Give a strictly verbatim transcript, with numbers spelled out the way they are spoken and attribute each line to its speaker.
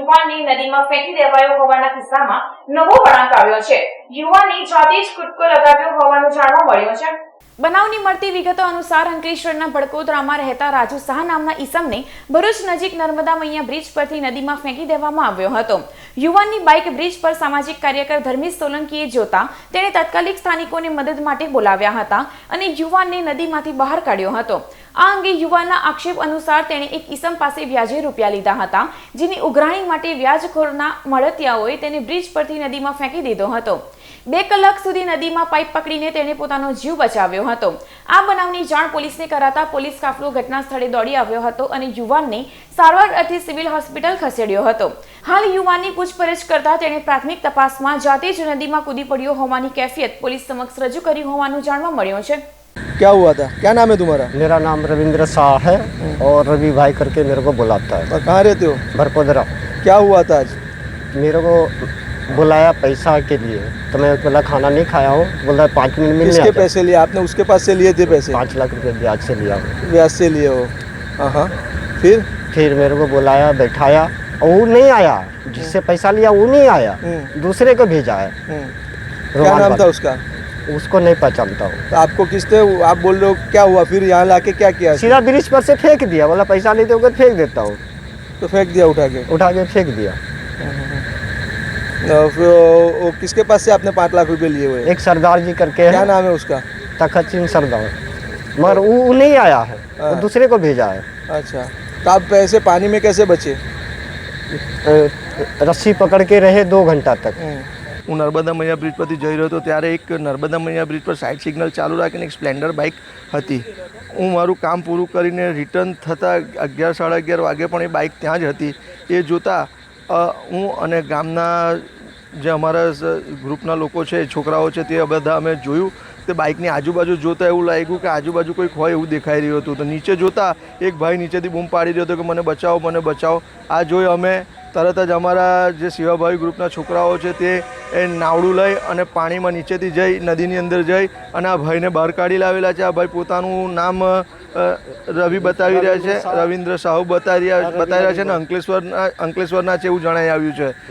Speaker 1: યુવાનને નદીમાં ફેંકી દેવાયો હોવાના કિસ્સામાં નવો વળાંક આવ્યો છે। યુવાને જાતે જ કૂદકો લગાવ્યો હોવાનું જાણવા મળ્યું છે। બનાવની મળતી વિગતો અનુસાર અંકલેશ્વરના ભડકોદરામાં રહેતા રાજુ શાહ નામના ઈસમને ભરૂચ નજીક નર્મદા મૈયા બ્રિજ પરથી નદીમાં ફેંકી દેવામાં આવ્યો હતો। યુવાનની બાઇક બ્રિજ પર સામાજિક કાર્યકર ધર્મેશ સોલંકીએ જોતા તેણે તાત્કાલિક સ્થાનિકોને મદદ માટે બોલાવ્યા હતા અને યુવાનને નદીમાંથી બહાર કાઢ્યો હતો। આ અંગે યુવાનના આક્ષેપ અનુસાર તેણે એક ઈસમ પાસે વ્યાજે રૂપિયા લીધા હતા, જેની ઉઘરાણી માટે વ્યાજખોરના મળતિયાઓએ તેને બ્રિજ પરથી નદીમાં ફેંકી દીધો હતો। બે કલાક સુધી નદીમાં પાઇપ પકડીને તેણે પોતાનો જીવ બચાવ્યો હતો। આ બનાવની જાણ પોલીસને કરાતા પોલીસ કાફલો ઘટના સ્થળે દોડી આવ્યો હતો અને યુવાનને સારવાર અર્થે સિવિલ હોસ્પિટલ ખસેડ્યો હતો। હાલ યુવાનની પૂછપરછ કરતા તેણે પ્રાથમિક તપાસમાં જાતે જ નદીમાં કૂદી પડ્યો હોવાની कैफियत पुलिस समक्ष रजू કરી હોવાનું જાણવા મળ્યું છે।
Speaker 2: क्या हुआ था? क्या नाम है तुम्हारा?
Speaker 3: मेरा नाम रविंद्र शाह है और रवि भाई करके मेरे को बुलाता है।
Speaker 2: और कहाँ रहते हो?
Speaker 3: भरकोदरा।
Speaker 2: क्या हुआ था आज?
Speaker 3: मेरे को बुलाया पैसा के लिए, तो मैं बोला खाना नहीं खाया हूँ, बोला पाँच मिनट में
Speaker 2: किसके पैसे लिए आपने? उसके पास से लिए थे पैसे?
Speaker 3: पाँच लाख रुपए ब्याज से लिया।
Speaker 2: ब्याज से लिए हो? हाँ हाँ। फिर
Speaker 3: फिर मेरे को बुलाया, बैठाया और वो नहीं आया, जिससे पैसा लिया वो नहीं आया, दूसरे को भेजा है।
Speaker 2: क्या नाम था उसका?
Speaker 3: उसको नहीं पहचानता हूँ।
Speaker 2: तो आपको किसने, आप बोल रहे हो क्या हुआ? फिर यहाँ लाके क्या किया?
Speaker 3: सीधा ब्रिज पर से फेंक दिया, बोला पैसा नहीं दोगे फेंक देता हूँ।
Speaker 2: तो फेंक दिया उठा के?
Speaker 3: उठा के फेंक दिया।
Speaker 2: फिर वो किसके पास से आपने पाँच लाख रुपए लिए हुए?
Speaker 3: एक सरदार जी करके है।
Speaker 2: क्या नाम है उसका?
Speaker 3: तखत सिंह सरदार, मगर वो नहीं आया है, वो दूसरे को भेजा है।
Speaker 2: अच्छा, तो आप पैसे पानी में कैसे बचे?
Speaker 3: रस्सी पकड़ के रहे दो घंटा तक।
Speaker 2: હું નર્મદા મૈયા બ્રિજ પરથી જઈ રહ્યો હતો ત્યારે એક નર્મદા મૈયા બ્રિજ પર સાઇડ સિગ્નલ ચાલુ રાખીને એક સ્પ્લેન્ડર બાઇક હતી। હું મારું કામ પૂરું કરીને રિટર્ન થતાં અગિયાર સાડા અગિયાર વાગે પણ એ બાઇક ત્યાં જ હતી। એ જોતાં હું અને ગામના જે અમારા ગ્રુપના લોકો છે, છોકરાઓ છે, તે બધા અમે જોયું તે બાઇકની આજુબાજુ જોતાં એવું લાગ્યું કે આજુબાજુ કોઈક હોય એવું દેખાઈ રહ્યું હતું। તો નીચે જોતાં એક ભાઈ નીચેથી બૂમ પાડી રહ્યો હતો કે મને બચાવો, મને બચાવો। આ જોઈ અમે તરત જ અમારા જે સેવાભાવી ગ્રુપના છોકરાઓ છે તે એ નાવડું લઈ અને પાણીમાં નીચેથી જઈ નદીની અંદર જઈ અને આ ભાઈને બહાર કાઢી લાવેલા છે। આ ભાઈ પોતાનું નામ રવિ બતાવી રહ્યા છે, રવિન્દ્ર સાહુ બતાવી રહ્યા બતાવી રહ્યા છે અને અંકલેશ્વરના અંકલેશ્વરના છે એવું જણાઈ આવ્યું છે।